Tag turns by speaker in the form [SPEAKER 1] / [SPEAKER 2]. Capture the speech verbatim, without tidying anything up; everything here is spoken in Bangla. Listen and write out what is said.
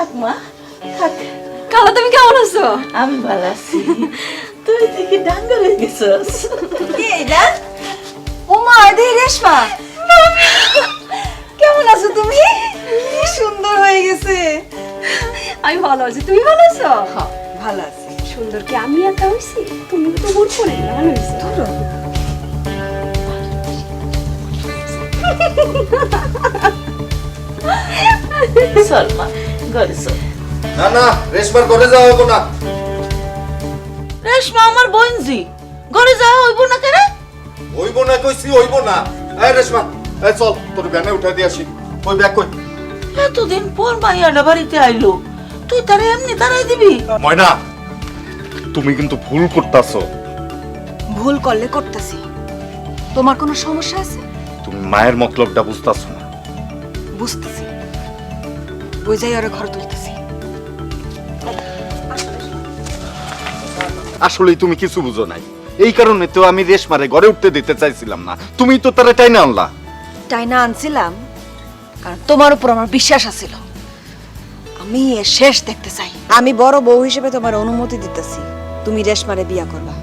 [SPEAKER 1] থাক মা থাক।
[SPEAKER 2] খালা তুমি কেমন আছো?
[SPEAKER 1] আমি ভালো আছি। তুই দেখি ডাঙ্গর হয়ে গেছস।
[SPEAKER 2] কি এটা? ওমা এদি রেশমা, কেমন আছো তুমি? কি সুন্দর হয়ে গেছে। আমি ভালো আছি, তুমি ভালো আছো?
[SPEAKER 1] হ্যাঁ।
[SPEAKER 2] ভালো আছি। সুন্দর কি আমি একা হইছি? তুমি তো বোর করে ভালো হইছো। ধরো
[SPEAKER 1] চল মা ঘরে চল।
[SPEAKER 3] না না রেশমার ঘরে যাওয়া হবো না।
[SPEAKER 1] রেশমা আমার বোনজি, ঘরে যাওয়া হইব না কেন?
[SPEAKER 3] হইব না কইছি হইব না। এই রেশমা এই চল তোর ভ্যানে উঠা দিয়ে আসি। ওই ব্যাগ কই?
[SPEAKER 1] এতদিন পর মাইয়াটা বাড়িতে আইলো, তুই তারে এমনি দাঁড়াই দিবি?
[SPEAKER 3] ময়না তুমি কিন্তু ভুল করতাছো।
[SPEAKER 2] ভুল করলে করতেছি। তোমার কোনো সমস্যা আছে?
[SPEAKER 3] তুমি মায়ের মতলবটা বুঝতাছো না।
[SPEAKER 2] বুঝতেছি, বুঝাই ওরে ঘর তুলতেছি।
[SPEAKER 3] আসলেই তুমি কিছু বুঝো নাই। এই কারণে তো আমি রেশমারে ঘরে উঠতে দিতে চাইছিলাম না। তুমি তো তারে টাইনা আনলা।
[SPEAKER 2] টাইনা আনছিলাম কারণ তোমার উপর আমার বিশ্বাস আছিল। আমি এর শেষ দেখতে চাই। আমি বড় বউ হিসেবে তোমার অনুমতি দিতেছি, তুমি রেশমারে বিয়া করবা।